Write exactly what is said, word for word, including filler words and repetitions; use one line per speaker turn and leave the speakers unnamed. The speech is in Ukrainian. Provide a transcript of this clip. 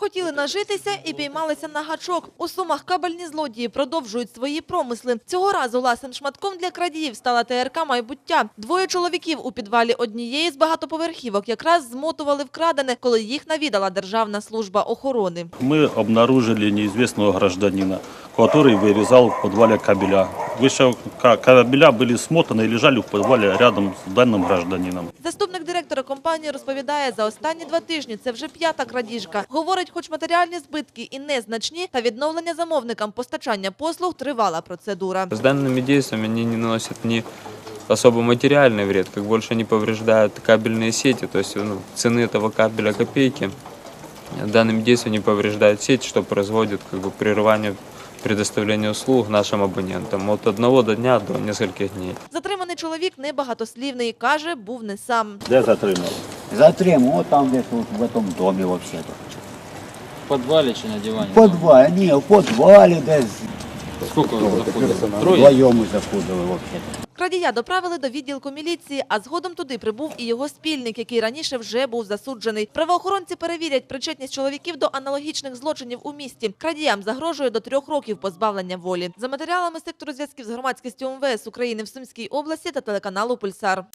Хотіли нажитися і піймалися на гачок. У Сумах кабельні злодії продовжують свої промисли. Цього разу ласим шматком для крадіїв стала Те Ер Ка «Майбуття». Двоє чоловіків у підвалі однієї з багатоповерхівок якраз змотували вкрадене, коли їх навідала Державна служба охорони.
Мы обнаружили неизвестного гражданина, который вырезал в подвале кабеля. Выше кабеля были смотаны и лежали в подвале рядом с данным гражданином.
Заступник директора компанії розповідає, за останні два тижні це вже п'ята крадіжка. Говорить, хоч матеріальні збитки і незначні, та відновлення замовникам постачання послуг – тривала процедура.
С данными действиями они не наносят ни особо материальный вред, как больше они повреждают кабельные сети, то есть ну, цены этого кабеля копейки. Данными действиями не повреждают сеть, что производит как бы прерывание предоставления услуг нашим абонентам от одного до дня до нескольких дней.
Затриманий чоловік небагатослівний, каже, був не сам.
Де затримали?
Затримав, от там десь от в цьому домі взагалі.
В подвале чи на диване?
В підвалі, ні, в підвалі десь.
Сколько вы заходили? Трое?
Вдвоєм ми заходили взагалі.
Крадія доправили до відділку міліції, а згодом туди прибув і його спільник, який раніше вже був засуджений. Правоохоронці перевірять причетність чоловіків до аналогічних злочинів у місті. Крадіям загрожує до трьох років позбавлення волі. За матеріалами сектору зв'язків з громадськістю Ем Ве Ес України в Сумській області та телеканалу «Пульсар».